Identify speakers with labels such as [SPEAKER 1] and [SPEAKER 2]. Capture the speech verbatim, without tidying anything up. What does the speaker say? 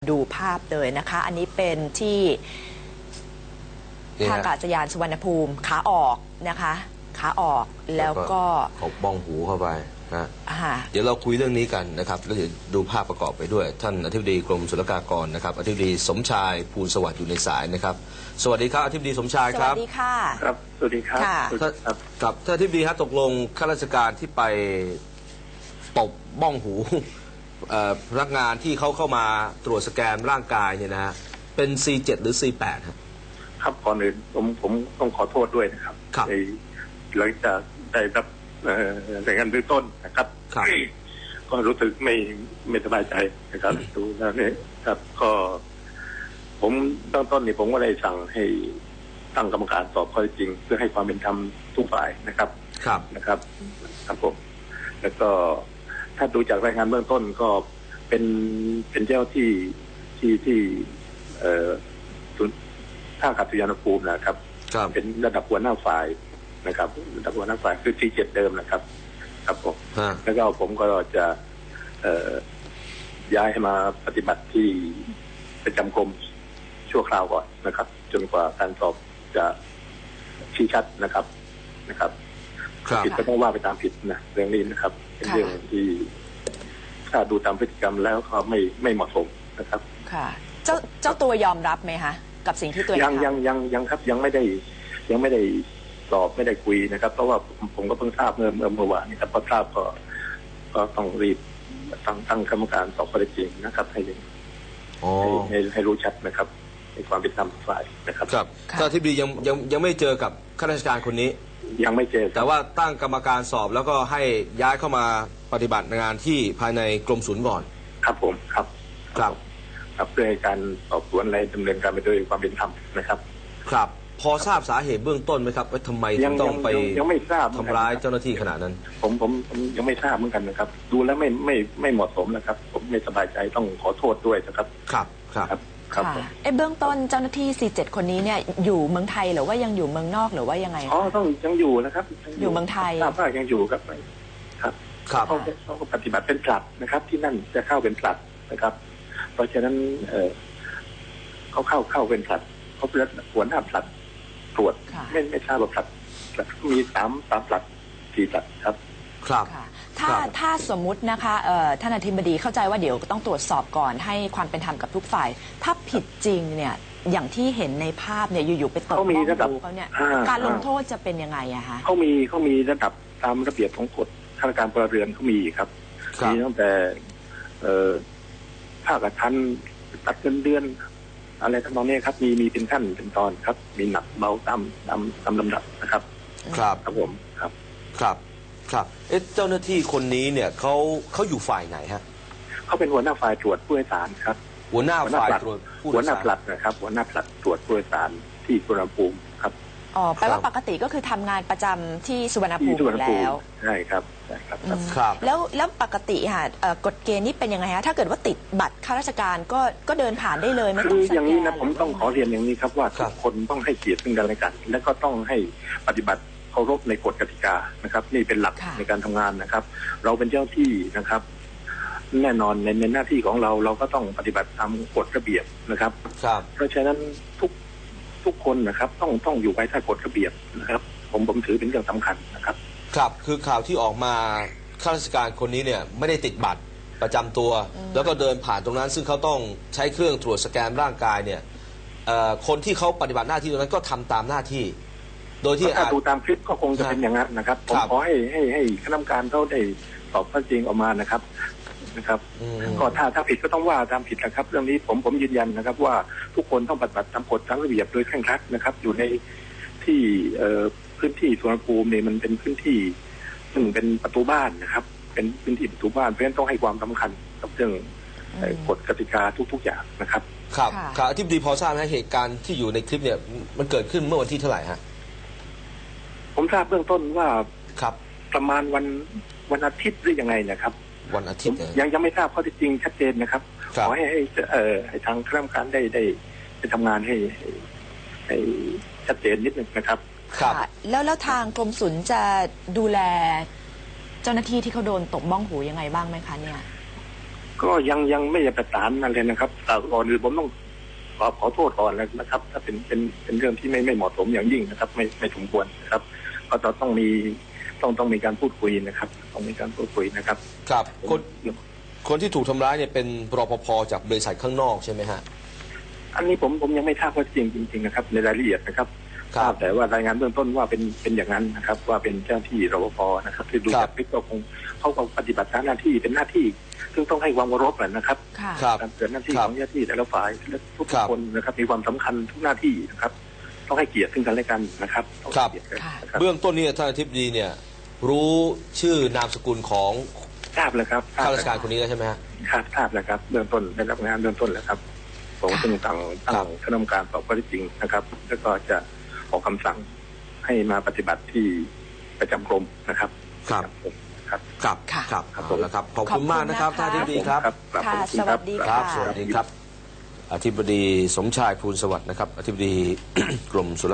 [SPEAKER 1] ดูภาพเลยนะคะอันนี้เป็นที่ท่าอากาศยานสุวรรณภูมิขาออกนะคะขาออกแล้วก็
[SPEAKER 2] เอาบ้องหูเข้าไปนะเดี๋ยวเราคุยเรื่องนี้กันนะครับแล้วเดี๋ยวดูภาพประกอบไปด้วยท่านอธิบดีกรมศุลกากรนะครับอธิบดีสมชายภูลสวัสดิ์อยู่ในสายนะครับสวัสดีครับอธิบดีสมชายครับ
[SPEAKER 1] สวัสดีค่ะ
[SPEAKER 3] ครับสวัสดีครับ
[SPEAKER 2] กับท่านอธิบดีครับตกลงข้าราชการที่ไปตบบ้องหูพนักงานที่เขาเข้ามาตรวจสแกนร่างกายเนี่ยนะฮะเป็น ซี เจ็ด หรือ ซี แปด ครับ
[SPEAKER 3] ครับก่อนอื่นผมผมต้องขอโทษด้วยนะครับในหลังจากได้รับรายงานเบื้องต้นนะครับก็รู้สึกไม่ไม่สบายใจนะครับดูแล้วเนี่ยครับก็ผมตั้งต้นนี่ผมก็เลยสั่งให้ตั้งกรรมการสอบข้อเท็จจริงเพื่อให้ความเป็นธรรมทุกฝ่ายนะครับ
[SPEAKER 2] ครับ
[SPEAKER 3] นะครับครับผมแล้วก็ถ้าดูจากรายงานเบื้องต้นก็เป็นเป็นเจ้าที่ที่ที่เอ่อท่าอากาศยานภูมินะครับเป็นระดับหัวหน้าฝ่ายนะครับระดับหัวหน้าฝ่ายคือ ซี เจ็ด เดิมนะครับครับผมแล้วก็ผมก็จะเอ่อย้ายให้มาปฏิบัติที่ประจำกรมชั่วคราวก่อนนะครับจนกว่าการสอบจะชี้ชัดนะครับนะครับผิดก็ต้องว่าไปตามผิดนะเรื่องนี้นะครับเป็นเรื่องที่ถ้าดูตามพฤติกรรมแล้วก็ไม่ไม่เหมาะสมนะครับ
[SPEAKER 1] ค่ะเจ้าเจ้าตัวยอมรับไหมคะกับสิ่งที่ตัว
[SPEAKER 3] ยังยังยังยังครับยังไม่ได้ยังไม่ได้สอบไม่ได้คุยนะครับเพราะว่าผมก็เพิ่งทราบเมื่อเมื่อเมื่อวานนี้ครับพอทราบก็ก็ต้องรีบตั้งตั้งกรรมการสอบข้อเท็จจริงนะครับให้ให้ให้รู้ชัดนะครับในความเป็นธรรมฝ่ายนะครับ
[SPEAKER 2] ครับท่านอธิบดียังยังยังไม่เจอกับข้าราชการคนนี้
[SPEAKER 3] ยังไม่เจอ
[SPEAKER 2] แต่ว่าตั้งกรรมการสอบแล้วก็ให้ย้ายเข้ามาปฏิบัติงานที่ภายในกรมศุลก่อน
[SPEAKER 3] ครับผมครับ
[SPEAKER 2] ครับ
[SPEAKER 3] ครับเพื่อให้การสอบสวนอะไรดำเนินการไปด้วยความเป็นธรรมนะครับ
[SPEAKER 2] ครับพอทราบสาเหตุเบื้องต้นไหมครับว่าทำไมต้องไป
[SPEAKER 3] ยังไม่ทราบ
[SPEAKER 2] ทำร้ายเจ้าหน้าที่ขนาดนั้น
[SPEAKER 3] ผมผมยังไม่ทราบเหมือนกันนะครับดูแล้วไม่ไม่ไม่เหมาะสมนะครับผมไม่สบายใจต้องขอโทษด้วยนะครับ
[SPEAKER 2] ครับครับ
[SPEAKER 1] ครับไอ้เบื้องต้นเจ้าหน้าที่ ซี เจ็ด คนนี้เนี่ยอยู่เมืองไทยหรือว่ายังอยู่เมืองนอกหรือว่ายังไง
[SPEAKER 3] อ๋อต้องยังอยู่นะครับ
[SPEAKER 1] อยู่เมืองไทย
[SPEAKER 3] ทราบว่ายังอยู่ครับครับเขาเขาปฏิบัติเป็นผลัดนะครับที่นั่นจะเข้าเป็นผลัดนะครับเพราะฉะนั้นเออเขาเข้าเข้าเป็นผลัดเขาเป็นหัวหน้าผลัดตรวจไม่ไม่ทราบว่าผลัดมีสามสามผลัดสี่ผลัดครับ
[SPEAKER 2] ครับ
[SPEAKER 1] ถ้าถ้าสมมุตินะคะท่านอธิบดีเข้าใจว่าเดี๋ยวต้องตรวจสอบก่อนให้ความเป็นธรรมกับทุกฝ่ายถ้าผิดจริงเนี่ยอย่างที่เห็นในภาพเนี่ยอยู่ๆไปตบบ้องหูเขาเนี่ยการลงโทษจะเป็นยังไงอะคะ
[SPEAKER 3] เขามีเขามีระดับตามระเบียบของกฎข้าราชการพลเรือนเขามีครับมีตั้งแต่ภาคทันตัดเงินเดือนอะไรทั้งนั้นเนี่ยครับมีมีเป็นขั้นเป็นตอนครับมีหนักเบาตามตามตามลำดับนะครับ
[SPEAKER 2] ครับ
[SPEAKER 3] ครับผมครับ
[SPEAKER 2] ครับครับเอ๊ะเจ้าหน้าที่คนนี้เนี่ยเขาเขาอยู่ฝ่ายไหนฮะ
[SPEAKER 3] เขาเป็นหัวหน้าฝ่ายตรวจผู้โดยสารครับ
[SPEAKER 2] หัวหน้าฝ่ายตรวจ
[SPEAKER 3] หัวหน้าผลัดนะครับหัวหน้าผลัดตรวจผู้โดยสารที่สุวรรณภูมิครับ
[SPEAKER 1] อ๋อแปลว่าปกติก็คือทำงานประจำที่สุวรรณภูมิแล้ว
[SPEAKER 3] ใช่ครับใช่ครับ
[SPEAKER 2] ครับ
[SPEAKER 1] แล้วแล้วปกติค่ะกฎเกณฑ์นี้เป็นยังไงฮะถ้าเกิดว่าติดบัตรข้าราชการก็ก็เดินผ่านได้เลยไม่ต้อง
[SPEAKER 3] คืออย่างนี้นะผมต้องขอเรียนอย่างนี้ครับว่าทุกคนต้องให้เกียรติซึ่งกันและกันและก็ต้องให้ปฏิบัติเคารพในกฎกติกานะครับนี่เป็นหลักในการทำงานนะครับเราเป็นเจ้าที่นะครับแน่นอนในในหน้าที่ของเราเราก็ต้องปฏิบัติตามกฎระเบียบนะครับเพราะฉะนั้นทุกทุกคนนะครับต้องต้องอยู่ภายใต้กฎระเบียบนะครับผมผมถือเป็นเรื่องสำคัญนะครับ
[SPEAKER 2] ครับคือข่าวที่ออกมาข้าราชการคนนี้เนี่ยไม่ได้ติดบัตรประจำตัวแล้วก็เดินผ่านตรงนั้นซึ่งเขาต้องใช้เครื่องตรวจสแกนร่างกายเนี่ยคนที่เขาปฏิบัติหน้าที่ตรงนั้นก็ทำตามหน้าที่โดยที่
[SPEAKER 3] ถ้าดูตามคลิปก็คงจะเป็นอย่างนั้นนะครับผมขอให้ให้ให้คณะกรรมการเขาได้สอบข้อจริงออกมานะครับนะครับก็ถ้าถ้าผิดก็ต้องว่าตามผิดนะครับเรื่องนี้ผมผมยืนยันนะครับว่าทุกคนต้องปฏิบัติตามกฎตามระเบียบโดยเคร่งครัดนะครับอยู่ในที่พื้นที่สุวรรณภูมิเนี่ยมันเป็นพื้นที่ซึ่งเป็นประตูบ้านนะครับเป็นพื้นที่ประตูบ้านเพราะฉะนั้นต้องให้ความสำคัญกับเรื่องกฎกติกาทุกๆอย่างนะครับ
[SPEAKER 2] ครับครับอธิบดีพอทราบไหมเหตุการณ์ที่อยู่ในคลิปเนี่ยมันเกิดขึ้นเมื่อวันที่เท่าไหร่ฮะ
[SPEAKER 3] ผมทราบเบื้องต้นว่า
[SPEAKER 2] ครับ
[SPEAKER 3] ประมาณวันวันอาทิตย์หรือยังไงนะครับ
[SPEAKER 2] วันอาทิตย์
[SPEAKER 3] ยังยังไม่ทราบข้อเท็จจริงชัดเจนนะครับขอให้ให้เอ่อให้ทางคณะกรรมการได้ได้ไปทำงานให้ให้ชัดเจนนิดนึงนะครับ
[SPEAKER 1] ค่ะแล้วแล้วทางกรมศุลจะดูแลเจ้าหน้าที่ที่เขาโดนตบบ้องหูยังไงบ้างไหมคะเนี่ย
[SPEAKER 3] ก็ยังยังไม่ได้ประสานนั่นเลยนะครับแต่ก่อนอื่นผมต้องขอขอโทษก่อนนะครับ ถ้าเป็นเป็นเป็นเรื่องที่ไม่ไม่เหมาะสมอย่างยิ่งนะครับ ไม่ไม่สมควรนะครับ ก็จะต้องมีต้องต้องมีการพูดคุยนะครับ ต้องมีการพูดคุยนะครับ
[SPEAKER 2] ครับคนคนที่ถูกทำร้ายเนี่ยเป็นรปภจากบริษัทข้างนอกใช่ไหมฮะ
[SPEAKER 3] อันนี้ผมผมยังไม่ทราบว่าจริงจริงๆนะครับในรายละเอียดนะครับ
[SPEAKER 2] ครับ
[SPEAKER 3] แต่ว่ารายงานเบื้องต้นว่าเป็นเป็นอย่างนั้นนะครับ ว่าเป็นเจ้าหน้าที่รปภนะครับที่ดูจากคลิปก็คงเขาก็ปฏิบัติหน้าที่เป็นหน้าที่ ซึ่งต้องให้ความเคารพนะครับ
[SPEAKER 1] ค่ะ
[SPEAKER 2] ครับ
[SPEAKER 3] การเกิดหน้าที่ของเจ้าหน้าที่แต่ละฝ่ายและทุก
[SPEAKER 2] ครับ
[SPEAKER 3] คนนะครับมีความสำคัญทุกหน้าที่นะครับ ต้องให้เกียรติซึ่งกันและกันนะครับต้อง
[SPEAKER 2] ครับ
[SPEAKER 3] ให้เกียรติกันนะครับ
[SPEAKER 2] เบื้องต้นนี่ท่านอธิบดีเนี่ยรู้ชื่อนามสกุลของ
[SPEAKER 3] ทราบแล้วครับ
[SPEAKER 2] ข้าราชการคนนี้แล้วใช่ไหมฮะ
[SPEAKER 3] ครับทราบแล้วครับเบื้องต้นได้รับงานเบื้องต้นแล้วครับผมซึ่งตั้ง
[SPEAKER 2] ครั
[SPEAKER 3] ตั้
[SPEAKER 2] บ
[SPEAKER 3] งคณะกรรมการสอบข้อเท็จจริงนะครับ แล้วก็จะออกคำสั่งให้มาปฏิบัติที่ประจำกรมนะครับ
[SPEAKER 2] ครับ
[SPEAKER 3] ครับ
[SPEAKER 2] ครับ
[SPEAKER 1] ค่ะ
[SPEAKER 2] ครับเอาละครับขอบ
[SPEAKER 1] ขอบคุ
[SPEAKER 2] คุณ ณมากนะครับ
[SPEAKER 1] นะคะ
[SPEAKER 2] ท่านอธิบดีครับ
[SPEAKER 3] ครับ
[SPEAKER 1] ค่ะ
[SPEAKER 3] ขอบณ
[SPEAKER 1] ส
[SPEAKER 3] รั
[SPEAKER 1] วั
[SPEAKER 3] บ
[SPEAKER 1] สดี
[SPEAKER 2] ค
[SPEAKER 1] ค่ะ
[SPEAKER 2] รับสวัสดีครับ อธิบดีสมชายภูลสวัสดิ์นะครับอธิบดี กรมศุล